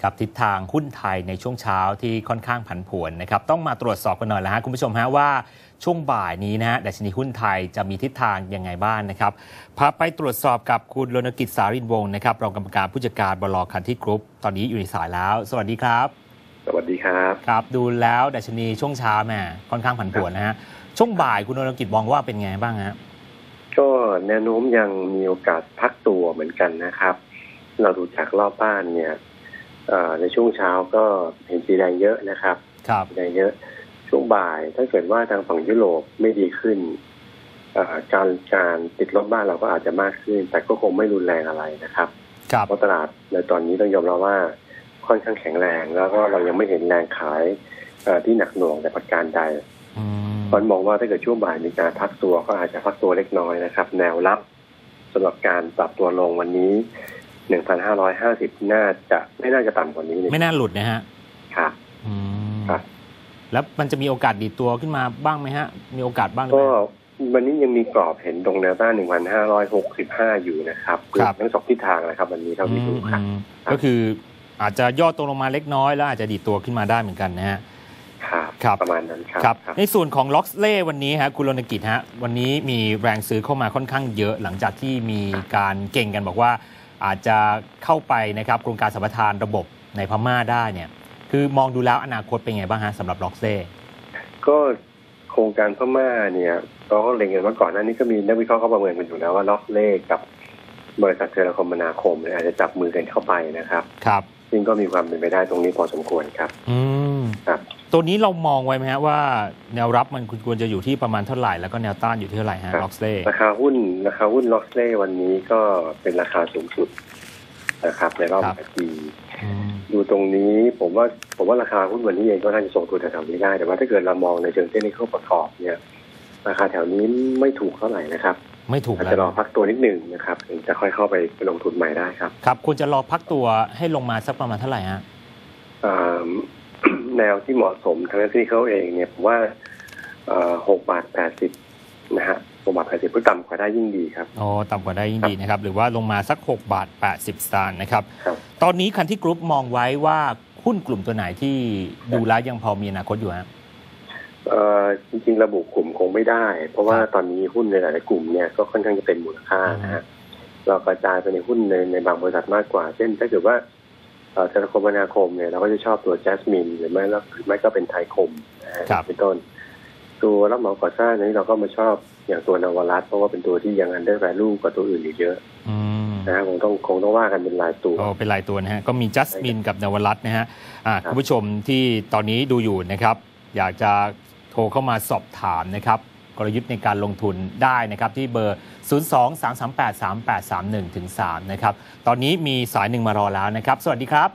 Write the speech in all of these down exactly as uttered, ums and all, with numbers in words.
ครับทิศทางหุ้นไทยในช่วงเช้าที่ค่อนข้างผันผวนนะครับต้องมาตรวจสอบกันหน่อยแล้วฮะคุณผู้ชมฮะว่าช่วงบ่ายนี้นะฮะดัชนีหุ้นไทยจะมีทิศทางยังไงบ้างนะครับพาไปตรวจสอบกับคุณรณกิจสารินวงศ์นะครับรองกรรมการผู้จัดการบล.คันที่กรุ๊ปตอนนี้อยู่ในสายแล้วสวัสดีครับสวัสดีครับครับดูแล้วดัชนีช่วงเช้าแม่ค่อนข้างผันผวนนะฮะช่วงบ่ายคุณรณกิจมองว่าเป็นไงบ้างฮะก็แนวโน้มยังมีโอกาสพักตัวเหมือนกันนะครับเราดูจากรอบบ้านเนี่ยในช่วงเช้าก็เห็นสีแดงเยอะนะครับสีแดงเยอะช่วงบ่ายถ้าเกิดว่าทางฝั่งยุโรปไม่ดีขึ้นการการติดลบบ้านเราก็อาจจะมากขึ้นแต่ก็คงไม่รุนแรงอะไรนะครับเพราะตลาดในตอนนี้ต้องยอมรับว่าค่อนข้างแข็งแรงแล้วก็เรายังไม่เห็นแรงขายที่หนักหน่วงแต่ประการใดคนมองว่าถ้าเกิดช่วงบ่ายมีการพักตัวก็อาจจะพักตัวเล็กน้อยนะครับแนวรับสำหรับการปรับตัวลงวันนี้ หนึ่งพันห้าร้อยห้าสิบ น่าจะไม่น่าจะต่ำกว่านี้ไม่น่าหลุดนะฮะครับครับแล้วมันจะมีโอกาสดีดตัวขึ้นมาบ้างไหมฮะมีโอกาสบ้างก็วันนี้ยังมีกรอบเห็นตรงแนวต้าน หนึ่งพันห้าร้อยหกสิบห้า อยู่นะครับทั้งสองทิศทางนะครับวันนี้เท่าที่ดูครับก็คืออาจจะย่อตัวลงมาเล็กน้อยแล้วอาจจะดีดตัวขึ้นมาได้เหมือนกันนะฮะครับประมาณนั้นครับในส่วนของล็อกเล่วันนี้ฮะคุณรณกิจฮะวันนี้มีแรงซื้อเข้ามาค่อนข้างเยอะหลังจากที่มีการเก่งกันบอกว่าอาจจะเข้าไปนะครับโครงการสัมปทานระบบในพม่าได้เนี่ยคือมองดูแล้วอนาคตเป็นไงบ้างฮะสำหรับล็อกเล่ก็โครงการพม่าเนี่ยเราก็เล็งกันว่าก่อนหน้านี้ก็มีนักวิเคราะห์เขาประเมินกันอยู่แล้วว่าล็อกเล่กับบริษัทเทเลคมนาคมเนี่ยอาจจะจับมือกันเข้าไปนะครับครับซึ่งก็มีความเป็นไปได้ตรงนี้พอสมควรครับอืมครับตัวนี้เรามองไว้ไหมฮะว่าแนวรับมันควรจะอยู่ที่ประมาณเท่าไหร่แล้วก็แนวต้านอยู่ที่เท่าไหร่ฮะล็อกเล่ราคาหุ้นราคาหุ้นล็อกเล่วันนี้ก็เป็นราคาสูงสุดนะครับในรอบหลายปีดูตรงนี้ผมว่าผมว่าราคาหุ้นวันนี้เองก็น่าจะส่งตัวแถวนี้ได้แต่ว่าถ้าเกิดเรามองในเชิงเทคนิคประกอบเนี่ยราคาแถวนี้ไม่ถูกเท่าไหร่นะครับไม่ถูกอาจจะรอพักตัวนิดหนึ่งนะครับถึงจะค่อยเข้าไปลงทุนใหม่ได้ครับครับควรจะรอพักตัวให้ลงมาสักประมาณเท่าไหร่ฮะแนวที่เหมาะสมทางที่เขาเองเนี่ยผมว่าหกบาทแปดสิบนะฮะหกบาทแปดสิบเพื่อต่ำกว่าได้ยิ่งดีครับอ๋อต่ำกว่าได้ยิ่งดีนะครับหรือว่าลงมาสักหกบาทแปดสิบสตางค์นะครับตอนนี้คันที่กรุ๊ปมองไว้ว่าหุ้นกลุ่มตัวไหนที่ดูแล้วยังพอมีอนาคตอยู่ฮะเอ่อจริงๆระบุกลุ่มคงไม่ได้เพราะว่าตอนนี้หุ้นในหลายๆกลุ่มเนี่ยก็ค่อนข้างจะเป็นมูลค่านะฮะเรากระจายไปในหุ้นในในบางบริษัทมากกว่าเช่นถ้าเกิดว่าเทเลคมนาคมเนี่ยเราก็จะชอบตัวแจสมินหรือไม่หรือไม่ก็เป็นไทยคมเป็นต้นตัวรับเหมาก่อสร้างนี้เราก็มาชอบอย่างตัวนวรัตน์เพราะว่าเป็นตัวที่ยังอันเดอร์แวลูกว่าตัวอื่นอยู่เยอะนะฮะคงต้องคงต้องว่ากันเป็นรายตัวอ๋อเป็นรายตัวนะฮะก็มีจัสมินกับนวรัตน์นะฮะคุณผู้ชมที่ตอนนี้ดูอยู่นะครับอยากจะโทรเข้ามาสอบถามนะครับกลยุทธ์ในการลงทุนได้นะครับที่เบอร์ศูนย์ สอง สาม สาม แปด สาม แปด สาม หนึ่ง ถึง สามนะครับตอนนี้มีสายหนึ่งมารอแล้วนะครับสวัสดีครับ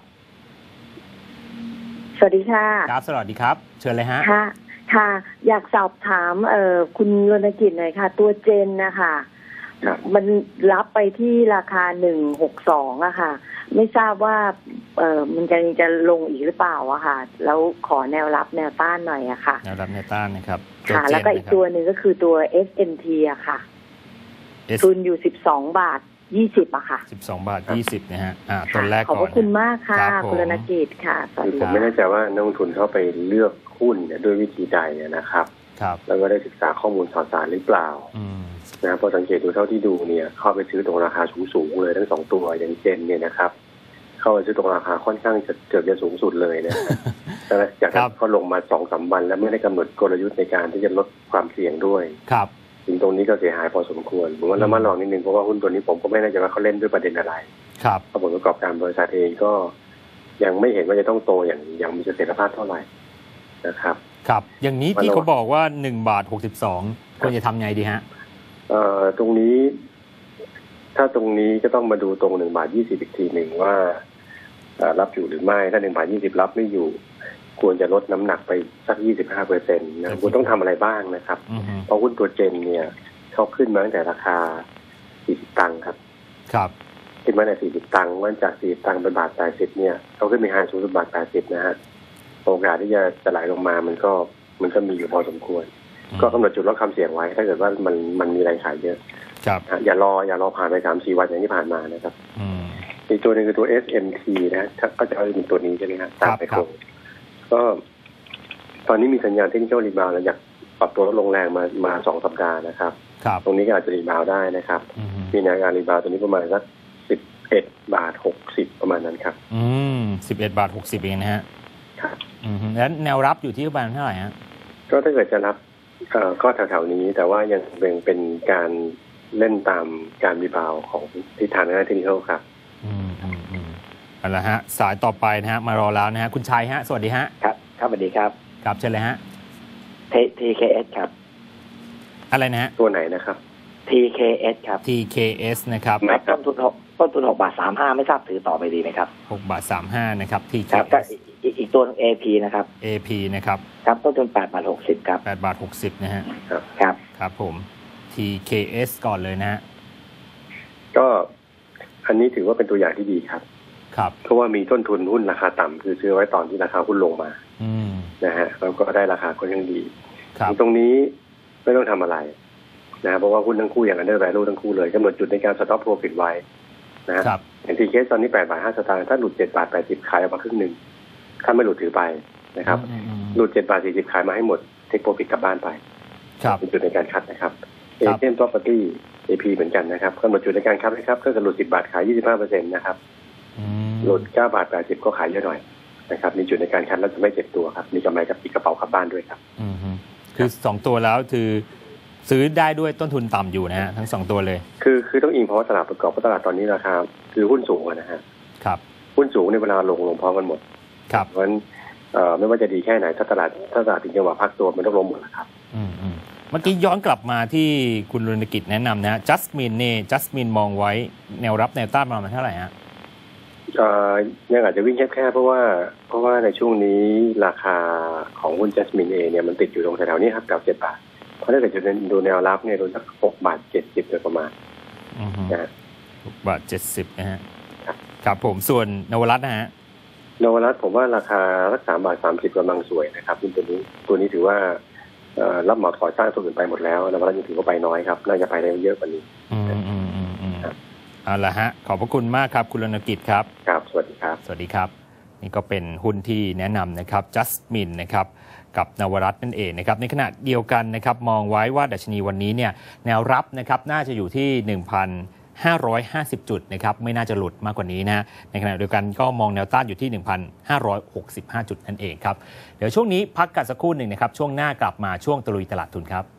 สวัสดีค่ะครับสวัสดีครับเชิญเลยฮะค่ะค่ะอยากสอบถามเอ่อคุณรณกิจหน่อยค่ะตัวเจนนะคะมันรับไปที่ราคาหนึ่งหกสองอะค่ะไม่ทราบว่าเอ่อมันจะจะลงอีกหรือเปล่าอะค่ะแล้วขอแนวรับแนวต้านหน่อยอะค่ะแนวรับแนวต้านนะครับค่ะแล้วก็อีกตัวหนึ่งก็คือตัว เอส เอ็น ที อะค่ะทุนอยู่สิบสองบาทยี่สิบอะค่ะสิบสองบาทยี่สิบนะฮะอ่าตัวแรกก่อนขอบคุณมากค่ะคุณรณกิจค่ะสวัสดีผมไม่แน่ใจว่านักลงทุนเข้าไปเลือกหุ้นด้วยวิธีใดนะครับครับแล้วก็ได้ศึกษาข้อมูลข่าวสารหรือเปล่านะพอสังเกตดูเท่าที่ดูเนี่ยเข้าไปซื้อตรงราคาสูงๆเลยทั้งสองตัวอย่างเจนเนี่ยนะครับเข้าไปซื้อตรงราคาค่อนข้างจะเกือบจะสูงสุดเลยนะแต่จากนั้นก็ลงมาสองสามวันแล้วไม่ได้กำหนดกลยุทธ์ในการที่จะลดความเสี่ยงด้วยครับถึงตรงนี้ก็เสียหายพอสมควรผมว่าเรามาลองนิดนึงเพราะว่าหุ้นตัวนี้ผมก็ไม่แน่ใจว่าเขาเล่นด้วยประเด็นอะไรครับผลประกอบการบริษัทเองก็ยังไม่เห็นว่าจะต้องโตอย่างอย่างมีเสถียรภาพเท่าไหร่นะครับครับอย่างนี้ที่เขาบอกว่าหนึ่งบาทหกสิบสองควรจะทำไงดีฮะเอ่อตรงนี้ถ้าตรงนี้ก็ต้องมาดูตรงหนึ่งบาทยี่สิบอีกทีหนึ่งว่ารับอยู่หรือไม่ถ้าหนึ่งบาทยี่สิบรับไม่อยู่ควรจะลดน้ำหนักไปสักยี่สิบห้าเปอร์เซ็นต์นะคุณต้องทำอะไรบ้างนะครับเพราะหุ้นตัวเจนเนี่ยเขาขึ้นมาตั้งแต่ราคาสี่สิบตังค์ครับครับขึ้นมาในสี่สิบตังค์วันจากสี่สิบตังค์เป็นบาทแปดสิบเนี่ยเขาขึ้นไปหาสูงสุดบาทแปดสิบนะฮะโอกาสที่จะจะไหลลงมามันก็มันก็มีอยู่พอสมควรก็กำหนดจุดลดความเสี่ยงไว้ถ้าเกิดว่ามันมันมีแรงขายเยอะครับอย่ารออย่ารอผ่านไปสามสี่วันอย่างที่ผ่านมานะครับอีกตัวหนึ่งคือตัว เอส เอ็ม ที นะก็จะเอาเป็นตัวนี้ใช่ไหมครับตามไปคงก็ตอนนี้มีสัญญาณเทคนิคอลรีบาวด์หลังจากปรับตัวลดลงแรงมามาสองสัปดาห์นะครับตรงนี้ก็อาจจะรีบาวด์ได้นะครับมีแนวการรีบาวด์ตัวนี้ประมาณสักสิบเอ็ดบาทหกสิบประมาณนั้นครับอืมสิบเอ็ดบาทหกสิบเองนะฮะครับอืมแล้วแนวรับอยู่ที่ประมาณเท่าไหร่ฮะก็ถ้าเกิดจะรับเอ่อก็แถวๆนี้แต่ว่ายังเป็นเป็นการเล่นตามการรีบาวด์ของทิศทางทางด้านเทคนิคครับอืมอืมอืมเอาละฮะสายต่อไปนะฮะมารอแล้วนะฮะคุณชัยฮะสวัสดีฮะครับครับสวัสดีครับครับเชิญเลยฮะที เค เอส ครับอะไรนะฮะตัวไหนนะครับที เค เอส ครับที เค เอส นะครับต้นทุนหกต้นทุนหกบาทสามห้าไม่ทราบถือต่อไปดีไหมครับหกบาทสามห้านะครับ ที เคเอส อีกอีกตัว เอ พี นะครับเอ พี นะครับครับต้นทุนแปดบาทหกสิบครับแปดบาทหกสิบนะฮะครับครับครับผม ที เค เอส ก่อนเลยนะฮะก็อันนี้ถือว่าเป็นตัวอย่างที่ดีครับครับเพราะว่ามีต้นทุนหุ้นราคาต่ำคือซื้อไว้ตอนที่ราคาหุ้นลงมาอืมนะฮะแล้วก็ได้ราคาก็ยังดีครับตรงนี้ไม่ต้องทำอะไรนะเพราะว่าหุ้นทั้งคู่อย่างอันเดอร์แวลูทั้งคู่เลยกำหนดจุดในการสต็อปโปรฟิตไว้นะครับอย่างที่เคสตอนนี้แปดบาทห้าสตางค์ถ้าหลุดเจ็ดบาทแปดสิบขายออกมาครึ่งหนึ่งถ้าไม่หลุดถือไปนะครับหลุดเจ็ดบาทสี่สิบขายมาให้หมดเทคโปรฟิตกลับบ้านไปเป็นจุดในการคัดนะครับเอเจนต์ property เอ พี เหมือนกันนะครับกำหนดจุดในการคัดนะครับก็คือหลุดสิบบาทขายยี่สิบห้าเปอร์เซ็นต์นะครับหลุดเก้าบาทแปดสิบก็ขายเยอะหน่อยนะครับมีจุดในการคัดแล้วจะไม่เจ็บตัวครับมีกำไรกับปีกกระเป๋ากลับบ้านด้วยครับอืมคือสองตัวแล้วคือซื้อได้ด้วยต้นทุนต่ำอยู่นะฮะทั้งสองตัวเลยคือคือต้องอิงเพราะว่าตลาดประกอบเพราะตลาดตอนนี้ราคาคือหุ้นสูงนะฮะครับหุ้นสูงในเวลาลงลงพร้อมกันหมดครับเพราะฉะนั้นไม่ว่าจะดีแค่ไหนถ้าตลาดถ้าตลาดถึงจังหวะพักตัวมันต้องลงหมดนะครับอืมอืมเมื่อกี้ย้อนกลับมาที่คุณรณกิจแนะนำนะจัสมินเนี่ยจัสมินมองไว้แนวรับแนวต้านประมาณเท่าไหร่ฮะยังอาจจะวิ่งแคบๆเพราะว่าเพราะว่าในช่วงนี้ราคาของหุ้นจัสมินเองเนี่ยมันติดอยู่ตรงแถวๆนี้ครับเก้าเจ็ดบาทเพราะถ้าเกิดจะดูแนวรับเนี่ยโดนสักหกบาทเจ็ดสิบโดยประมาณนะหกบาทเจ็ดสิบนะฮะครับผมส่วนนวรัตน์นะฮะนวรัตน์ผมว่าราคาสักสามบาทสามสิบกำลังสวยนะครับตัวนี้ตัวนี้ถือว่ารับเหมาก่อสร้างตัวอื่นไปหมดแล้วนวรัตน์ยังถือว่าไปน้อยครับน่าจะไปได้เยอะกว่านี้อืมอืมอืมอืมเอาละฮะขอบพระคุณมากครับคุณรณกิจครับครับสวัสดีครับสวัสดีครับนี่ก็เป็นหุ้นที่แนะนำนะครับจัสมินนะครับกับนวรัตน์นั่นเองนะครับในขณะเดียวกันนะครับมองไว้ว่าดัชนีวันนี้เนี่ยแนวรับนะครับน่าจะอยู่ที่ หนึ่งพันห้าร้อยห้าสิบ จุดนะครับไม่น่าจะหลุดมากกว่านี้นะในขณะเดียวกันก็มองแนวต้านอยู่ที่ หนึ่งพันห้าร้อยหกสิบห้า จุดนั่นเองครับเดี๋ยวช่วงนี้พักกันสักครู่หนึ่งนะครับช่วงหน้ากลับมาช่วงตะลุยตลาดทุนครับ